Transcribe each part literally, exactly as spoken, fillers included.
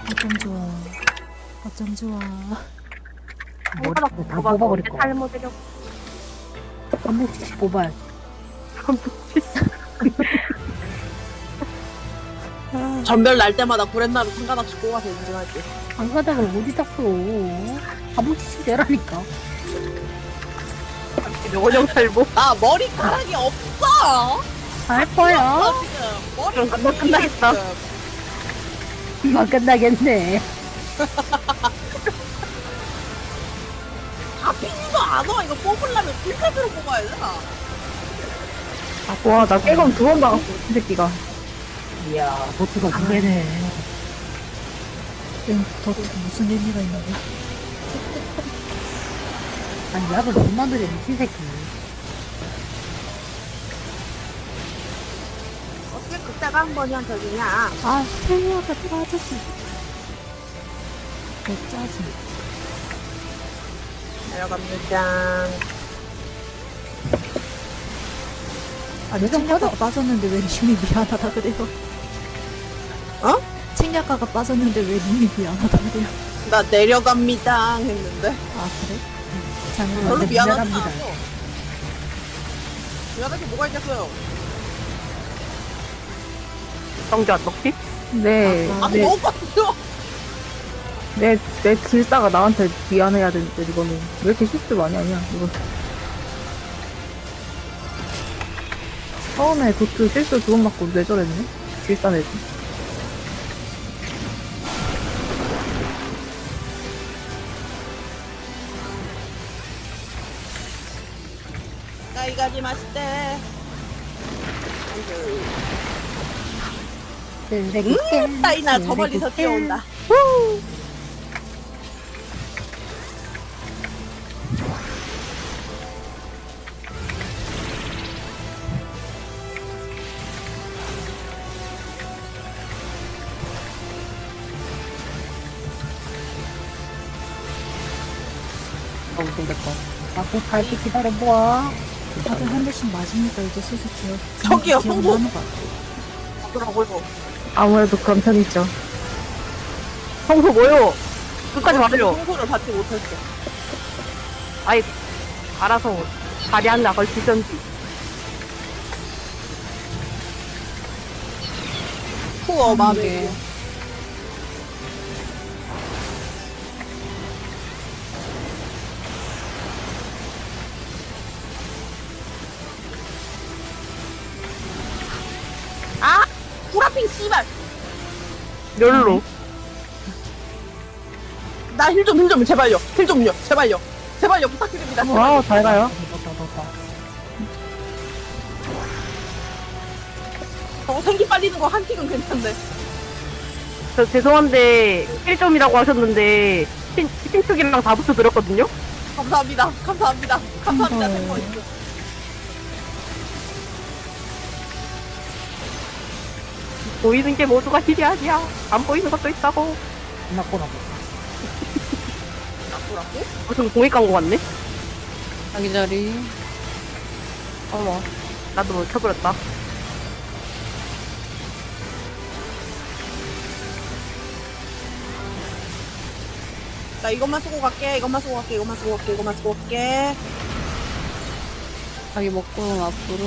어쩜 좋아. 어쩜 좋아. 머리 다 다 뽑아버릴 거야. 탈모되려고. 한 번씩 뽑아야지. 전별 날 때마다 구렛나루 상관없이 뽑아서 인증할게. 안 가다가 어디 땄어? 한 번씩 내라니까. 원형 탈모. 나 머리카락이 없어. 할 거야. 나 지금 머리 그럼 금방 끝나겠다. 금방 끝나겠네. 잡히지도 않아. 이거 뽑으려면 풀카드로 뽑아야 돼. 와, 나 깨검 두 번 박았어, 이 새끼가. 이야, 보트가 두 개네. 더 무슨 의미가 있는 거야? 아니, 약을 너무 들여, 미친 새끼. 어떻게 그때가 한 번이한 적이냐? 아, 스텔리아가 빠졌어. 개 짜증. 내려갑니다. 아니, 책략가가 빠졌는데 왜 님이 미안하다 그래요? 어? 책략가가 빠졌는데 왜 님이 미안하다 그래요? 나 내려갑니다 했는데. 아, 그래? 잘못 별로 근데 미안하지 미안합니다. 않았어. 미안할 게 뭐가 있겠어요. 정지 안 넣기? 네. 아, 아니 너무 빠졌어. 내, 내 질사가 나한테 미안해야 되는데, 이거는. 왜 이렇게 실수 많이 하냐, 이거. 처음에 도트 실수 두 번 맞고 뇌절했네? 질사 내지. 가이가지 마시대. 음, 따이나 저 멀리서 뛰어온다. 너무 생겼다. 아, 곧 갈게 기다려보아. 다들 한 대씩 맞으니까 이제 슬슬 기억. 저기요, 기억나는 성공. 것 같아. 그러고요. 아무래도 그런 편이죠. 청소 뭐요? 끝까지 말해줘. 청소를 받지 못했어. 아이, 알아서 다리 하나 걸치던지. 후어 마음에. 아! 구라핑 씨발! 멸로. 나 힐 좀, 힐 좀, 제발요. 힐 좀요, 제발요. 제발요, 부탁드립니다. 와우, 잘 가요. 넣었다, 넣었다. 저거 생기 빨리는 거 한 킥은 괜찮네. 저 죄송한데, 일 점이라고 하셨는데, 신, 신축이랑 다 붙여드렸거든요? 감사합니다. 감사합니다. 감사합니다. 헐. 템퍼이스. 보이는 게 모두가 힐이 아니야. 안 보이는 것도 있다고. 끝났구나. 나쁘라고? 무슨 공익 광고 같네? 자기 자리. 어머, 나도 못 쳐버렸다. 나 이것만 쓰고 갈게. 이것만 쓰고 갈게. 이것만 쓰고 갈게. 이것만 쓰고 갈게. 자기 먹고 앞으로.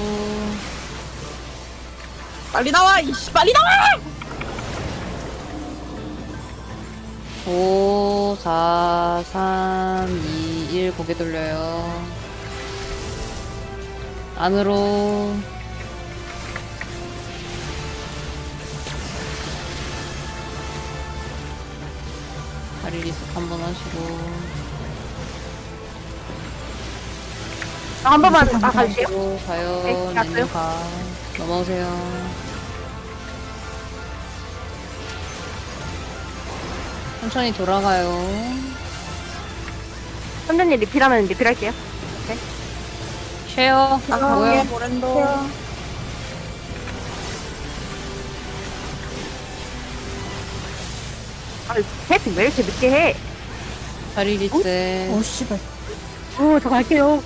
빨리 나와! 이씨, 빨리 나와! 오, 사, 삼, 이, 일 고개 돌려요. 안으로. 다리 리셋 한번 하시고. 나 한 번만 딱 갈게요. 또 가요. 네, 갔어요? 님 가. 넘어오세요. 천천히 돌아가요. 선생님 리필하면 리필할게요. 쉐어. 나가게, 뭐야? 모렌도. 아, 셋, 왜 이렇게 늦게 해? 다리 리셋. 어, 씨발. 어, 저 갈게요.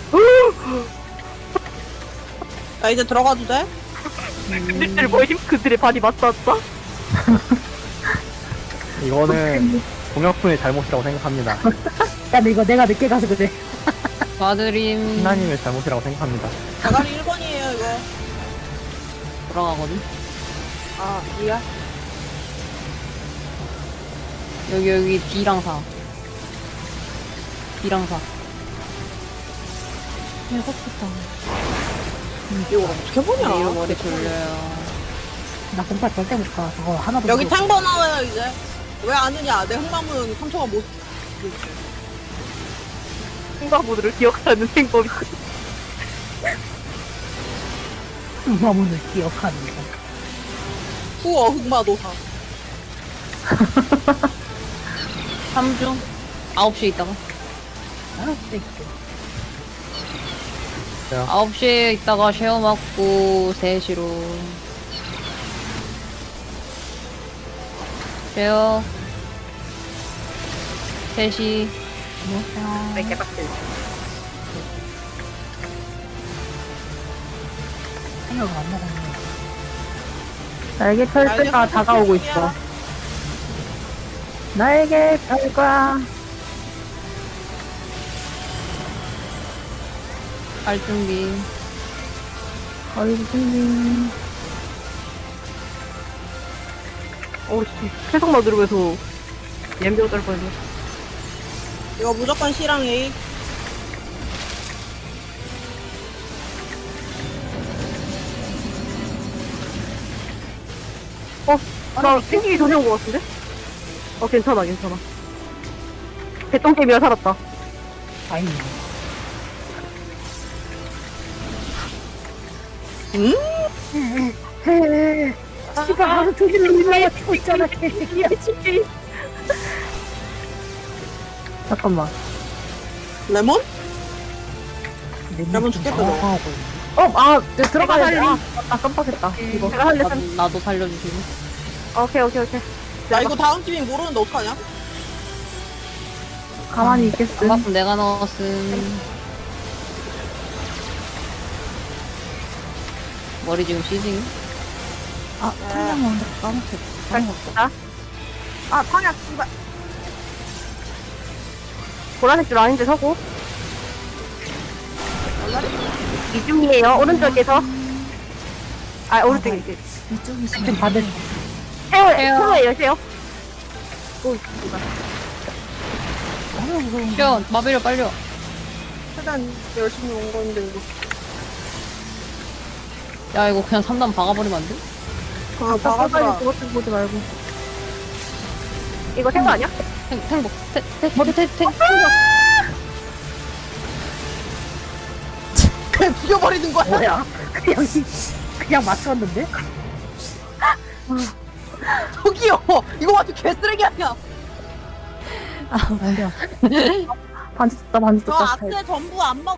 나 이제 들어가도 돼? 그들들 뭐임? 그들의 발이 맞닿았다? 이거는 공혁분의 잘못이라고 생각합니다. 야, 근데 이거 내가 늦게 가서 그래. 마드림 신나님의 잘못이라고 생각합니다. 대가리 일 번이에요 이거. 돌아가거든. 아 이야? 여기 여기 B랑 사. B랑 사. 배고프다. 이걸 어떻게 보냐? 내일 머리 졸려요. 나 공파 절대 못 가. 저거 하나도 여기 못 탱버 나와요 이제. 왜 아느냐? 내 흑마문 삼초가 못. 흑마모드를 기억하는 행법이. 마문을 기억하는 거. 후어 흑마도사. 삼 중 아홉 시에 있다가 알았어, 이거. 아홉 시에 있다가 쉐어 맞고 세 시로 쉐어 세 시 안녕하세요. 왜 개빡칠. 생각을 안 먹었네. 날개 펼 때가 다가오고 있어. 날개 펼 거야. 갈 준비. 어이, 준비. 어우, 계속 나들면서 옌병 떨 뻔했네. 이거 무조건 C랑 A. 어, 나 생기기 전에 온 것 같은데? 어, 괜찮아, 괜찮아. 개똥개미가 살았다. 다행이네. 음? 헤헤. 씨발, 하루 종일 놀라가지고 있잖아, 개새끼야. 잠깐만. 레몬? 내 레몬 눈 죽겠다, 좀 너. 당황하고 있네. 어, 아, 내 들어가야 돼. 살림. 아, 아, 깜빡했다. 이거. 내가 할래. 나도, 나도 살려주시고. 오케이, 오케이, 오케이. 야 이거 다음 팀이 모르는데 어떡하냐? 가만히 있겠음. 반갑음 내가 넣었음. 머리 지금 시징. 아, 탕양 먹는다. 까먹겠다. 까먹었다. 아, 방향, 씨발. 보라색 줄 아닌데 서고. 이중이에요. 오른쪽에서. 아, 오른쪽에 이렇게. 이쪽이 좀 있으면 받은. 세워, 세워. 세워예요, 세워. 오, 씨발. 너무 무서운 거. 쉐어 마비를 빨려. 최대한 열심히 온 건데 이거. 야 이거 그냥 삼 단 박아버리면 안 돼? 아 빨리 박아주라. 그것 좀 보지 말고. 이거 생거 아니야? 탱, 탱복. 탱, 탱, 머리 탱, 탱. 그냥 죽여버리는 거야. 뭐야? 그냥, 그냥 맞췄는데? 저기요. 이거 완전 개쓰레기 아니야. 아, 웃겨. 반지 떴다, 반지 저 떴다. 악세 전부 안 먹.